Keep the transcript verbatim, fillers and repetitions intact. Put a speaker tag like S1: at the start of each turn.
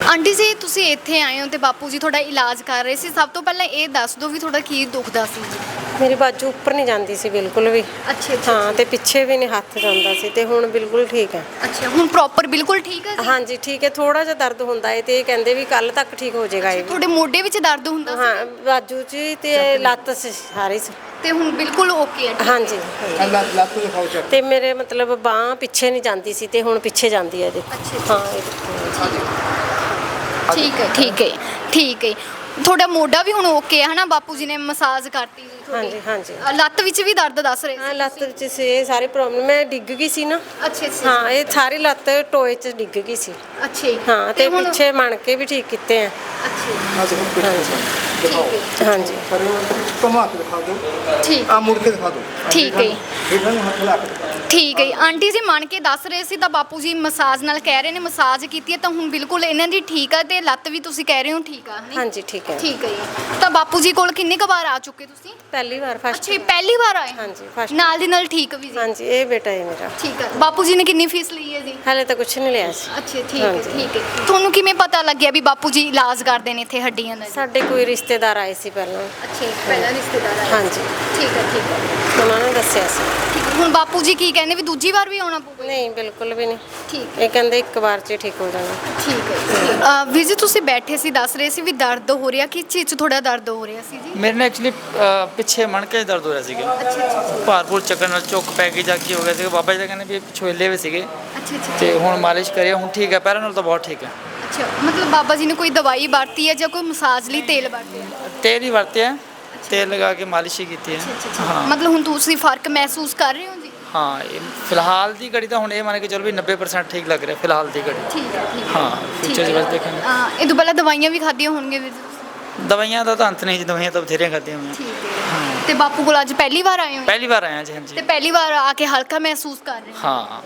S1: Aunty ਜੀ ਤੁਸੀਂ ਇੱਥੇ ਆਏ ਹੋ ਤੇ ਬਾਪੂ ਜੀ ਤੁਹਾਡਾ ਇਲਾਜ ਕਰ ਰਹੇ ਸੀ, ਸਭ ਤੋਂ ਪਹਿਲਾਂ ਇਹ ਦੱਸ ਦਿਓ ਵੀ ਤੁਹਾਡਾ ਕੀ ਦੁਖਦਾ ਸੀ ਜੀ?
S2: ਮੇਰੀ ਬਾਜੂ ਉੱਪਰ ਨਹੀਂ ਜਾਂਦੀ ਸੀ ਬਿਲਕੁਲ ਵੀ।
S1: ਅੱਛਾ ਅੱਛਾ
S2: ਹਾਂ, ਤੇ ਪਿੱਛੇ ਵੀ ਨਹੀਂ ਹੱਥ ਜਾਂਦਾ ਸੀ, ਤੇ ਹੁਣ ਬਿਲਕੁਲ ਠੀਕ ਹੈ।
S1: ਅੱਛਾ, ਹੁਣ ਪ੍ਰੋਪਰ ਬਿਲਕੁਲ ਠੀਕ ਹੈ ਜੀ?
S2: ਹਾਂਜੀ ਠੀਕ ਹੈ, ਥੋੜਾ ਜਿਹਾ ਦਰਦ ਹੁੰਦਾ ਹੈ ਤੇ ਇਹ ਕਹਿੰਦੇ ਵੀ ਕੱਲ ਤੱਕ ਠੀਕ ਹੋ ਜਾਏਗਾ ਇਹ ਵੀ।
S1: ਤੁਹਾਡੇ ਮੋਢੇ ਵਿੱਚ ਦਰਦ ਹੁੰਦਾ ਸੀ?
S2: ਹਾਂ, ਬਾਜੂ 'ਚ ਹੀ ਤੇ ਲੱਤ 'ਚ ਸਾਰੀ 'ਚ।
S1: ਤੇ ਹੁਣ ਬਿਲਕੁਲ ਓਕੇ ਹੈ?
S2: ਹਾਂਜੀ,
S3: ਲੱਤ ਲੱਤ ਦਿਖਾਓ ਚੱਕ।
S2: ਤੇ ਮੇਰੇ ਮਤਲਬ ਬਾਂਹ ਪਿੱਛੇ ਨਹੀਂ ਜਾਂਦੀ ਸੀ ਤੇ ਹੁਣ ਪਿੱਛੇ ਜਾਂਦੀ ਹੈ ਜੀ।
S1: ਅੱਛਾ
S2: ਹਾਂ ਇਹ ਦੇਖੋ।
S1: ਠੀਕ ਹੈ ਠੀਕ ਹੈ ਠੀਕ ਹੈ। ਤੁਹਾਡਾ ਮੋਢਾ ਵੀ ਹੁਣ ਓਕੇ ਹੈ ਹਨਾ? ਬਾਪੂ ਜੀ ਨੇ ਮਸਾਜ ਕਰਤੀ ਜੀ ਤੁਹਾਡੀ।
S2: ਹਾਂਜੀ ਹਾਂਜੀ
S1: ਅ, ਲੱਤ ਵਿੱਚ ਵੀ ਦਰਦ ਦੱਸ ਰਹੇ
S2: ਹਾਂ,
S1: ਸੀ
S2: ਲੱਤ ਵਿੱਚ ਸੀ ਇਹ ਸਾਰੀ ਪ੍ਰੋਬਲਮ। ਮੈਂ ਡਿੱਗ ਗਈ ਸੀ ਨਾ।
S1: ਅੱਛਾ ਅੱਛਾ
S2: ਹਾਂ, ਇਹ ਸਾਰੀ ਲੱਤ ਟੋਏ 'ਚ ਡਿੱਗ ਗਈ ਸੀ।
S1: ਅੱਛਾ ਜੀ।
S2: ਹਾਂ, ਤੇ
S1: ਹੁਣ-
S2: ਪਿੱਛੇ ਮਣ ਕੇ ਵੀ ਠੀਕ ਕੀਤੇ ਆ।
S1: ਅੱਛਾ ਜੀ,
S3: ਆ ਦੇਖੋ
S2: ਹਾਂਜੀ
S3: ਦਿਖਾਓ।
S1: ਠੀਕ ਹੈ
S2: ਹਾਂਜੀ
S3: ਪਰ ਘੁਮਾ ਕੇ ਦਿਖਾ ਦਿਓ,
S1: ਠੀਕ
S3: ਆ ਮੁੜ ਕੇ ਦਿਖਾ ਦਿਓ।
S1: ਠੀਕ ਹੈ ਜੀ।
S3: ਇਹਨਾਂ ਨੂੰ ਹੱਥ ਲਾ ਕੇ ਦਿਖਾ ਦਿਓ।
S1: ਠੀਕ ਹੈ ਜੀ। ਆਂਟੀ ਜੀ ਮੰਨ ਕੇ ਦੱਸ ਰਹੇ ਸੀ ਤਾਂ ਬਾਪੂ ਜੀ ਮਸਾਜ ਨਾਲ ਕਹਿ ਰਹੇ ਨੇ ਮਸਾਜ ਕੀਤੀ ਹੈ ਤਾਂ ਹੁਣ ਬਿਲਕੁਲ ਇਹਨਾਂ ਦੀ ਠੀਕ ਹੈ ਤੇ ਲੱਤ ਵੀ ਤੁਸੀਂ ਕਹਿ ਰਹੇ ਹੋ ਠੀਕ ਆ ਹਨੀ?
S2: ਹਾਂਜੀ ਠੀਕ ਹੈ।
S1: ਠੀਕ ਹੈ ਜੀ। ਤਾਂ ਬਾਪੂ ਜੀ ਕੋਲ ਕਿੰਨੇ ਕੁ ਵਾਰ ਆ ਚੁੱਕੇ ਤੁਸੀਂ?
S2: ਪਹਿਲੀ ਵਾਰ ਫਸਟ।
S1: ਅੱਛਾ ਜੀ, ਪਹਿਲੀ ਵਾਰ ਆਏ?
S2: ਹਾਂਜੀ ਫਸਟ।
S1: ਨਾਲ ਦੀ ਨਾਲ ਠੀਕ ਵੀ ਜੀ?
S2: ਹਾਂਜੀ, ਇਹ ਬੇਟਾ ਹੈ ਮੇਰਾ।
S1: ਠੀਕ ਹੈ। ਬਾਪੂ ਜੀ ਨੇ ਕਿੰਨੀ ਫੀਸ ਲਈ ਹੈ ਜੀ?
S2: ਹਾਲੇ ਤਾਂ ਕੁਝ ਨਹੀਂ ਲਿਆ ਸੀ।
S1: ਅੱਛਾ ਠੀਕ ਹੈ
S2: ਹਾਂਜੀ।
S1: ਠੀਕ ਹੈ। ਤੁਹਾਨੂੰ ਕਿਵੇਂ ਪਤਾ ਲੱਗਿਆ ਵੀ ਬਾਪੂ ਜੀ ਇਲਾਜ ਕਰਦੇ ਨੇ ਇੱਥੇ ਹੱਡੀਆਂ ਦਾ ਜੀ?
S2: ਸਾਡੇ ਕੋਈ ਰਿਸ਼ਤੇਦਾਰ ਆਏ ਸੀ ਪਹਿਲਾਂ।
S1: ਅੱਛਾ ਜੀ, ਪਹਿਲਾਂ ਰਿਸ਼ਤੇਦਾਰ ਆਏ?
S2: ਹਾਂਜੀ,
S1: ਠੀਕ ਹੈ ਠੀਕ ਹੈ
S2: ਉਹਨਾਂ ਨੇ ਦੱਸਿਆ ਸੀ।
S1: ਠੀਕ ਹੈ। ਹੁਣ ਬਾਪੂ ਜੀ ਕੀ ਕਹਿੰਦੇ ਵੀ ਦੂਜੀ ਵਾਰ ਵੀ ਆਉਣਾ ਪਊਗਾ?
S2: ਨਹੀਂ ਬਿਲਕੁਲ ਵੀ ਨਹੀਂ,
S1: ਠੀਕ
S2: ਇਹ ਕਹਿੰਦੇ ਇੱਕ ਵਾਰ 'ਚ ਹੀ ਠੀਕ ਹੋ ਜਾਣਾ।
S1: ਠੀਕ ਹੈ। ਵੀਰ ਜੀ ਤੁਸੀਂ ਬੈਠੇ ਸੀ ਦੱਸ ਰਹੇ ਸੀ ਵੀ ਦਰਦ ਹੋ ਰਿਹਾ, ਕਿਸ ਚੀਜ਼ 'ਚ ਤੁਹਾਡਾ ਦਰਦ ਹੋ ਰਿਹਾ ਸੀ ਜੀ?
S4: ਮੇਰੇ ਨਾਲ ਐਕਚੁਅਲੀ ਪਿੱਛੇ ਮਣਕੇ 'ਚ ਦਰਦ ਹੋ ਰਿਹਾ ਸੀਗਾ।
S1: ਅੱਛਾ ਅੱਛਾ
S4: ਭਾਰਪੂਰ ਚੱਕਰ ਨਾਲ ਚੁੱਕ ਪੈ ਗਈ ਜਾਂ ਕੀ ਹੋ ਗਿਆ ਸੀਗਾ। ਬਾਬਾ ਜੀ ਦਾ ਕਹਿੰਦੇ ਵੀ ਪਿੱਛੋਂ ਹਿੱਲੇ ਹੋਏ ਸੀਗੇ
S1: ਅੱਛਾ ਅੱਛਾ
S4: ਤੇ ਹੁਣ ਮਾਲਿਸ਼ ਕਰਿਆ, ਹੁਣ ਠੀਕ ਹੈ, ਪਹਿਲਾਂ ਨਾਲੋਂ ਤਾਂ ਬਹੁਤ ਠੀਕ ਹੈ।
S1: ਅੱਛਾ, ਮਤਲਬ ਬਾਬਾ ਜੀ ਨੇ ਕੋਈ ਦਵਾਈ ਵਰਤੀ ਹੈ ਜਾਂ ਕੋਈ ਮਸਾਜ ਲਈ ਤੇਲ ਵਰਤਿਆ?
S4: ਤੇਲ ਹੀ ਵਰਤਿਆ, ਤੇਲ ਲਗਾ ਕੇ ਮਾਲਿਸ਼ ਹੀ ਕੀਤੀ ਹੈ। ਹਾਂ
S1: ਮਤਲਬ ਹੁਣ ਤੁਸੀਂ ਫਰਕ ਮਹਿਸੂਸ ਕਰ ਰਹੇ ਹੋ ਜੀ?
S4: ਹਾਂ, ਇਹ ਫਿਲਹਾਲ ਦੀ ਘੜੀ ਤਾਂ ਹੁਣ ਇਹ ਮੰਨ ਕੇ ਚਲੋ ਵੀ ਨੱਬੇ ਪਰਸੈਂਟ ਠੀਕ ਲੱਗ ਰਿਹਾ ਫਿਲਹਾਲ ਦੀ ਘੜੀ।
S1: ਠੀਕ ਹੈ ਠੀਕ ਹੈ।
S4: ਹਾਂ, ਫਿਊਚਰ 'ਚ ਬਸ ਦੇਖਾਂਗੇ।
S1: ਹਾਂ, ਇਹ ਤੋਂ ਪਹਿਲਾਂ ਦਵਾਈਆਂ ਵੀ ਖਾਧੀਆਂ ਹੋਣਗੀਆਂ ਵੀਰ ਜੀ ਤੁਸੀਂ?
S4: ਦਵਾਈਆਂ ਦਾ ਤਾਂ ਅੰਤ ਨਹੀਂ ਜੀ, ਦਵਾਈਆਂ ਤਾਂ ਬਥੇਰੀਆਂ ਖਾਧੀਆਂ ਹੋਈਆਂ।
S1: ਠੀਕ ਹੈ। ਤੇ ਬਾਪੂ ਕੋਲ ਅੱਜ ਪਹਿਲੀ ਵਾਰ ਆਏ ਹੋ?
S4: ਪਹਿਲੀ ਵਾਰ ਆਇਆ ਜੀ। ਹਾਂਜੀ
S1: ਤੇ ਪਹਿਲੀ ਵਾਰ ਆ ਕੇ ਹਲਕਾ ਮਹਿਸੂਸ ਕਰ ਰਹੇ ਹੋ?
S4: ਹਾਂ,